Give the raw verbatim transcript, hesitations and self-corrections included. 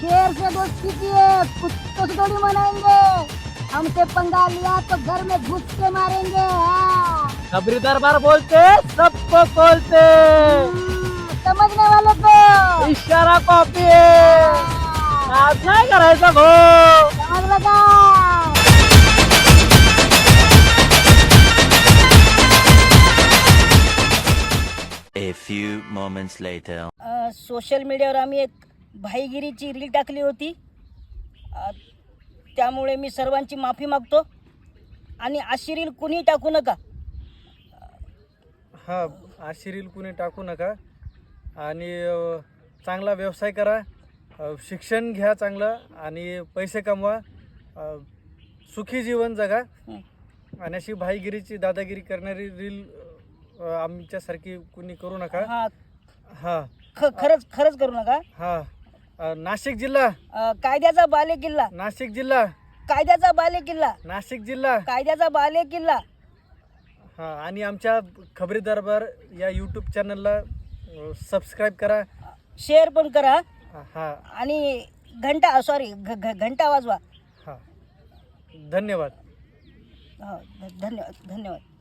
शेर से दोस्ती किए कुत्तों से थोड़ी मनाएंगे। हमसे पंगा लिया तो घर में घुस के मारेंगे। हाँ। खबरी दरबार बोलते सबको बोलते, हम्म, समझने वालों को इशारा कॉपी है, आज नाही करायचा गो। समझ लगा। A few moments later. अ, सोशल मीडियावर आम्ही एक भाईगिरीची रील टाकली होती, अ, त्यामुळे मी सर्वांची माफी मागतो आणि अशी रील कुणी टाकू नका. हा अशी रील कुणी टाकू नका आणि अ, चांगला व्यवसाय करा, अ, शिक्षण घ्या चांगलं आणि पैसे कमवा, अ, सुखी जीवन जगा. हं. आणि अशी भाईगिरीची दादागिरी करणारी रील अ, आमच्यासारखी कुणी करू नका. हा हा ख खरंच खरंच करू नका. हा अ, नाशिक जिल्हा अ, कायद्याचा बाले किल्ला, नाशिक जिल्हा कायद्याचा बाले किल्ला, नाशिक जिल्हा कायद्याचा बाले किल्ला. हा आणि आमच्या खबरी दरबार या यूट्यूब चॅनलला सबस्क्राईब करा. शेअर पण करा हा आणि घंटा सॉरी घंटा वाजवा. हा धन्यवाद. हो, ध- धन्यवाद धन्यवाद.